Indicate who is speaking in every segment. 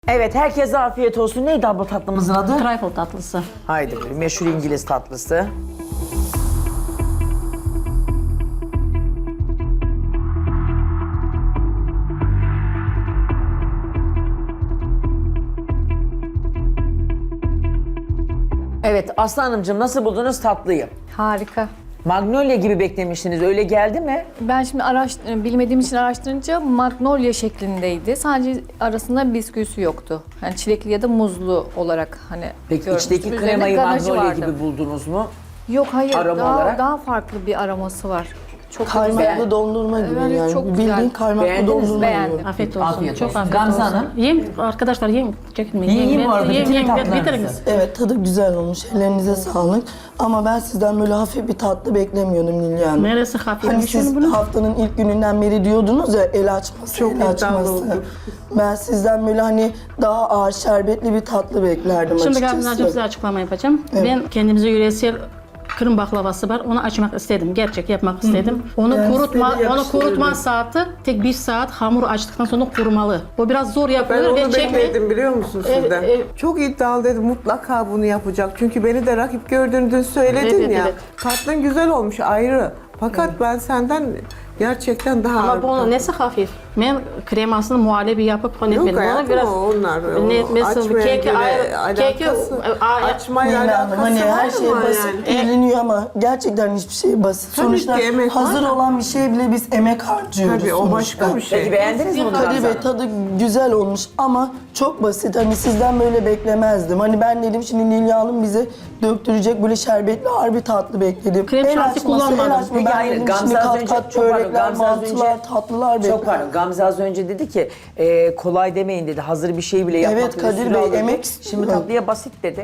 Speaker 1: Evet, herkese afiyet olsun. Neydi abla tatlımızın adı?
Speaker 2: Trifle tatlısı.
Speaker 1: Haydi meşhur İngiliz tatlısı. Evet, Aslı Hanımcığım nasıl buldunuz tatlıyı?
Speaker 3: Harika.
Speaker 1: Magnolia gibi beklemiştiniz, öyle geldi mi?
Speaker 3: Ben şimdi bilmediğim için araştırınca magnolia şeklindeydi. Sadece arasında bisküvisi yoktu. Yani çilekli ya da muzlu olarak hani
Speaker 1: Peki
Speaker 3: görmüştüm.
Speaker 1: içteki
Speaker 3: Üzerine
Speaker 1: kremayı
Speaker 3: ganajı
Speaker 1: Magnolia
Speaker 3: vardı.
Speaker 1: gibi buldunuz mu?
Speaker 3: Yok hayır,
Speaker 1: Aroma olarak?
Speaker 3: daha farklı bir aroması var. Çok
Speaker 4: Kaymaklı dondurma gibi
Speaker 3: Evet,
Speaker 4: yani.
Speaker 3: çok
Speaker 4: Bildiğin
Speaker 3: güzel.
Speaker 4: kaymaklı
Speaker 1: Beğendiniz mi?
Speaker 4: dondurma
Speaker 3: Beğendim.
Speaker 4: gibi.
Speaker 2: Afiyet olsun.
Speaker 1: Afiyet
Speaker 2: Çok
Speaker 1: olsun.
Speaker 2: afiyet
Speaker 1: Gamze
Speaker 2: olsun.
Speaker 1: Hanım?
Speaker 2: Yiyin arkadaşlar, yiyin. Çekinmeyin.
Speaker 1: Yiyin bu arada, bütün tatlarınızı.
Speaker 2: Bitiriniz.
Speaker 4: Evet, tadı güzel olmuş. Ellerinize sağlık. Ama ben sizden böyle hafif bir tatlı beklemiyordum Nilya Hanım.
Speaker 2: Neresi
Speaker 4: Hani
Speaker 2: hafifmiş
Speaker 4: siz
Speaker 2: bunu?
Speaker 4: haftanın ilk gününden beri diyordunuz ya el açması,
Speaker 5: Çok
Speaker 4: el
Speaker 5: iddialı
Speaker 4: açması.
Speaker 5: oldu.
Speaker 4: Ben sizden böyle hani daha ağır şerbetli bir tatlı beklerdim
Speaker 2: Şimdi
Speaker 4: açıkçası.
Speaker 2: Gamze'cığım size açıklama yapacağım. Ben kendimize yöresel Kırım baklavası var. Onu açmak istedim. Gerçek yapmak istedim. Onu
Speaker 4: Ben
Speaker 2: kurutma,
Speaker 4: size de
Speaker 2: onu kurutma
Speaker 4: yakıştırırım.
Speaker 2: saati tek 1 saat hamur açtıktan sonra kurumalı. O biraz zor
Speaker 5: Ben
Speaker 2: yapılır
Speaker 5: onu
Speaker 2: ve
Speaker 5: bekledim biliyor musun sizden?
Speaker 2: evet.
Speaker 5: Çok iddialı dedim mutlaka bunu yapacak. Çünkü beni de rakip gördüğünü dün söyledin
Speaker 2: Evet,
Speaker 5: ya.
Speaker 2: evet.
Speaker 5: Tatlın güzel olmuş ayrı. Fakat ben senden gerçekten daha
Speaker 2: Ama
Speaker 5: ağır bir
Speaker 2: bunun
Speaker 5: tatlı.
Speaker 2: nesi hafif? Ben kremasını muhallebi yapıp hani
Speaker 5: Yok
Speaker 2: ben
Speaker 5: hayatım onlar.
Speaker 2: Ne, mesela
Speaker 5: açmaya
Speaker 2: keki
Speaker 5: göre
Speaker 2: ayrı, keki
Speaker 5: açmayla
Speaker 4: Nilay Hanım,
Speaker 5: alakası
Speaker 4: hani
Speaker 5: var
Speaker 4: her şey
Speaker 5: mı
Speaker 4: basit
Speaker 5: yani?
Speaker 4: görünüyor ama gerçekten hiçbir şey basit.
Speaker 5: Tabii
Speaker 4: Sonuçta
Speaker 5: ki emek var
Speaker 4: hazır
Speaker 5: da.
Speaker 4: olan bir şey bile biz emek harcıyoruz
Speaker 5: Tabii o
Speaker 4: sonuçta.
Speaker 5: başka bir şey.
Speaker 1: Peki beğendiniz mi bunu
Speaker 4: Kadir
Speaker 1: Gamze
Speaker 4: Bey
Speaker 1: Hanım?
Speaker 4: tadı güzel olmuş ama çok basit. Hani sizden böyle beklemezdim. Hani ben dedim şimdi Nilya Hanım bize döktürecek böyle şerbetli ağır bir tatlı bekledim.
Speaker 2: Krem şanti kullanmadım.
Speaker 1: Peki
Speaker 4: Ben
Speaker 1: hayır,
Speaker 4: dedim
Speaker 1: Gamze
Speaker 4: şimdi
Speaker 1: az
Speaker 4: kat
Speaker 1: önce,
Speaker 4: kat
Speaker 1: çok pardon,
Speaker 4: börekler,
Speaker 1: Gamze az
Speaker 4: mantılar,
Speaker 1: önce,
Speaker 4: tatlılar
Speaker 1: çok
Speaker 4: bekledim.
Speaker 1: pardon, Gamze az önce dedi ki kolay demeyin dedi, hazır bir şey bile yapmak
Speaker 4: Evet,
Speaker 1: bile
Speaker 4: Kadir
Speaker 1: süre
Speaker 4: Bey,
Speaker 1: alır dedi.
Speaker 4: emek
Speaker 1: Şimdi
Speaker 4: istiyor.
Speaker 1: tatlıya basit dedi.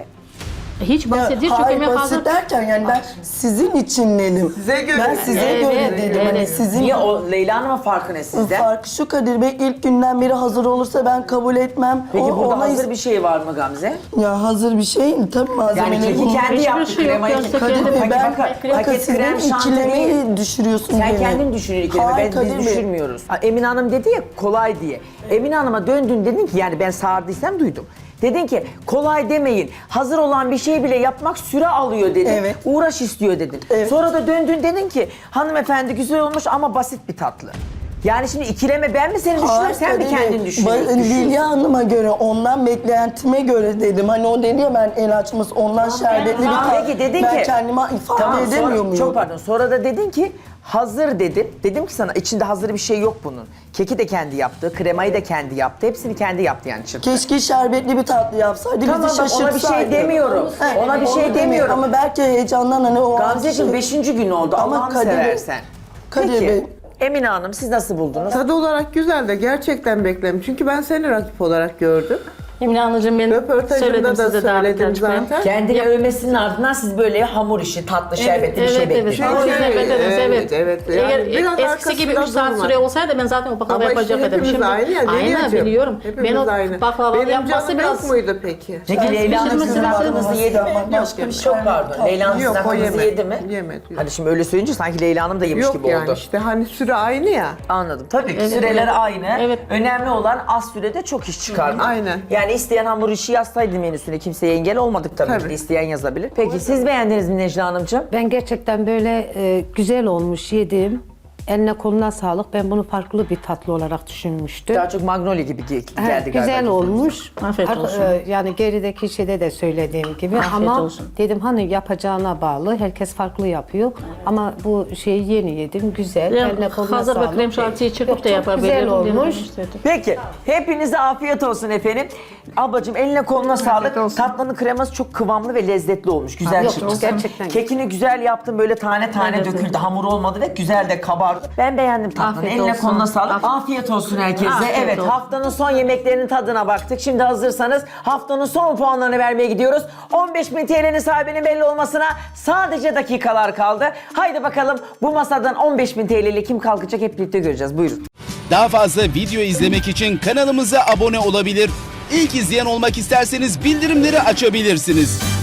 Speaker 2: hiç basit değil çünkü
Speaker 4: Hayır
Speaker 2: ben
Speaker 4: basit
Speaker 2: hazır.
Speaker 4: derken yani ben sizin için dedim.
Speaker 5: Size göre.
Speaker 4: Ben size
Speaker 2: Evet,
Speaker 4: göre dedim. Hani
Speaker 2: evet.
Speaker 4: sizin
Speaker 1: Niye o Leyla Hanım'ın farkı ne sizden?
Speaker 4: farkı şu Kadir Bey ilk günden beri hazır olursa ben kabul etmem.
Speaker 1: Peki burada
Speaker 4: ona
Speaker 1: hazır bir şey var mı Gamze?
Speaker 4: Ya hazır bir şey tabii
Speaker 1: Yani
Speaker 4: malzemeleri.
Speaker 1: keki kendi
Speaker 2: Hiçbir
Speaker 1: yaptı,
Speaker 2: şey yok,
Speaker 1: kremayı
Speaker 2: yoksa
Speaker 4: Kadir
Speaker 2: kendi-
Speaker 4: Bey ben
Speaker 1: paket
Speaker 4: bakın sizin
Speaker 1: krem şanti değil.
Speaker 4: ikilemeyi düşürüyorsun
Speaker 1: Sen
Speaker 4: beni.
Speaker 1: kendin düşün İlker'e,
Speaker 4: Hayır,
Speaker 1: biz
Speaker 4: Kadir Bey.
Speaker 1: düşürmüyoruz. Emine Hanım dedi ya kolay diye. Emine Hanım'a döndün dedin ki yani ben sağırdıysam duydum. Dedin ki kolay demeyin. Hazır olan bir şey bile yapmak süre alıyor dedin.
Speaker 4: Evet.
Speaker 1: Uğraş istiyor dedin.
Speaker 4: Evet.
Speaker 1: Sonra da döndün dedin ki hanımefendi güzel olmuş ama basit bir tatlı. Yani şimdi ikileme ben mi seni düşünüyorum
Speaker 4: Hayır,
Speaker 1: sen mi
Speaker 4: Kadir Bey.
Speaker 1: kendin düşünüyorsun?
Speaker 4: Lilya Hanım'a göre ondan beklentime göre dedim. Hani o dedi ya ben el açması ondan şerbetli bir
Speaker 1: Tamam,
Speaker 4: tatlı.
Speaker 1: peki dedin
Speaker 4: ben
Speaker 1: ki.
Speaker 4: kendime ifade
Speaker 1: Tamam,
Speaker 4: edemiyor
Speaker 1: sonra,
Speaker 4: muyum?
Speaker 1: çok pardon. Sonra da dedin ki hazır dedin. Dedim ki sana içinde hazır bir şey yok bunun. Keki de kendi yaptı, kremayı da kendi yaptı. Hepsini kendi yaptı yani çırptı.
Speaker 4: Keşke şerbetli bir tatlı yapsaydı
Speaker 1: Tamam
Speaker 4: bizi
Speaker 1: bak, ona bir
Speaker 4: şaşırtsaydı.
Speaker 1: şey demiyorum.
Speaker 4: He,
Speaker 1: Ona bir
Speaker 4: onu
Speaker 1: şey
Speaker 4: demiyorum.
Speaker 1: demiyorum.
Speaker 4: Ama belki heyecandan hani o anki
Speaker 1: Gamzeciğim
Speaker 4: şey-
Speaker 1: 5. gün oldu
Speaker 4: Ama
Speaker 1: Allah'ını
Speaker 4: Kadir Bey-
Speaker 1: seversen.
Speaker 4: Kadir
Speaker 1: Peki
Speaker 4: Bey-
Speaker 1: Emine Hanım siz nasıl buldunuz?
Speaker 5: Tadı olarak güzel de gerçekten bekledim. Çünkü ben seni rakip olarak gördüm.
Speaker 2: Emine Hanımcığım ben
Speaker 5: Röportajımda
Speaker 2: söyledim
Speaker 5: da
Speaker 2: size daha
Speaker 5: söyledim
Speaker 2: birkaç ben.
Speaker 5: zaten.
Speaker 1: Kendini övmesinin ardından siz böyle hamur işi, tatlı, şerbetli bir şey
Speaker 2: Evet,
Speaker 1: bekliyorsunuz.
Speaker 2: evet.
Speaker 5: Çünkü-
Speaker 2: Evet.
Speaker 5: evet. Yani
Speaker 2: Eğer
Speaker 5: biraz
Speaker 2: eskisi gibi 3
Speaker 5: arkasında
Speaker 2: saat
Speaker 5: durma.
Speaker 2: süre olsaydı ben zaten o baklava
Speaker 5: Ama işte
Speaker 2: yapacak dedim.
Speaker 5: hepimiz aynı ya.
Speaker 2: Aynen
Speaker 5: Leylia'cığım.
Speaker 2: biliyorum.
Speaker 5: Hepimiz
Speaker 2: Ben o
Speaker 5: aynı.
Speaker 2: baklava
Speaker 5: Benim
Speaker 2: yapması
Speaker 5: canım
Speaker 2: biraz...
Speaker 5: yok muydu peki?
Speaker 1: Peki Leyla Hanım sizin
Speaker 2: Pişirmesi
Speaker 1: aklınızı
Speaker 4: lazım.
Speaker 1: yedi mi?
Speaker 4: Başka bir şey
Speaker 1: Çok
Speaker 4: yok.
Speaker 1: pardon. Leyla Hanım sizin
Speaker 5: Yok, o
Speaker 1: aklınızı
Speaker 5: yemedi.
Speaker 1: yedi mi?
Speaker 5: Yemedi, yok.
Speaker 1: Hadi şimdi öyle söyleyince sanki Leyla Hanım da yemiş
Speaker 5: Yok
Speaker 1: gibi
Speaker 5: yani
Speaker 1: oldu.
Speaker 5: işte hani süre aynı ya.
Speaker 1: Anladım. Tabii ki
Speaker 2: Evet,
Speaker 1: süreler
Speaker 2: evet.
Speaker 1: aynı.
Speaker 2: Evet.
Speaker 1: Önemli olan az sürede çok iş çıkarmak.
Speaker 5: Aynen.
Speaker 1: Yani isteyen hamur işi yazsaydı menüsüne kimseye engel olmadık tabii,
Speaker 5: Tabii.
Speaker 1: ki. İsteyen yazabilir. Peki siz beğendiniz mi Necla Hanımcığım?
Speaker 6: Ben gerçekten böyle güzel olmuş yedim. Eline koluna sağlık. Ben bunu farklı bir tatlı olarak düşünmüştüm.
Speaker 1: Daha çok Magnolia gibi geldi
Speaker 6: Evet,
Speaker 1: galiba.
Speaker 6: güzel olmuş.
Speaker 2: Afiyet olsun.
Speaker 6: Yani gerideki şeyde de söylediğim gibi
Speaker 2: Afiyet
Speaker 6: ama
Speaker 2: olsun.
Speaker 6: dedim hani yapacağına bağlı. Herkes farklı yapıyor. Ama bu şeyi yeni yedim. Güzel.
Speaker 2: Yani
Speaker 6: Eline koluna
Speaker 2: hazır ve
Speaker 6: sağlık.
Speaker 2: krem şantiyi çırpıp
Speaker 6: Yok,
Speaker 2: da
Speaker 6: çok
Speaker 2: yapabilirim.
Speaker 6: güzel olmuş.
Speaker 1: Peki, hepinize afiyet olsun efendim. Ablacığım eline koluna sağlık.
Speaker 2: olsun.
Speaker 1: Tatlının kreması çok kıvamlı ve lezzetli olmuş. Güzel
Speaker 6: Yok,
Speaker 1: çıkmış.
Speaker 6: gerçekten.
Speaker 1: Kekini güzel yaptın, böyle tane tane
Speaker 2: Evet,
Speaker 1: döküldü.
Speaker 2: evet.
Speaker 1: Hamur olmadı ve güzel de kabardı. Ben beğendim tatlını.
Speaker 2: Afiyet
Speaker 1: Eline
Speaker 2: olsun.
Speaker 1: koluna sağlık. Afiyet olsun herkese.
Speaker 2: Afiyet
Speaker 1: Evet,
Speaker 2: olsun.
Speaker 1: haftanın son yemeklerinin tadına baktık. Şimdi hazırsanız haftanın son puanlarını vermeye gidiyoruz. 15.000 TL'nin sahibinin belli olmasına sadece dakikalar kaldı. Haydi bakalım bu masadan 15.000 TL ile kim kalkacak hep birlikte göreceğiz. Buyurun.
Speaker 7: Daha fazla video izlemek için kanalımıza abone olabilir. İlk izleyen olmak isterseniz bildirimleri açabilirsiniz.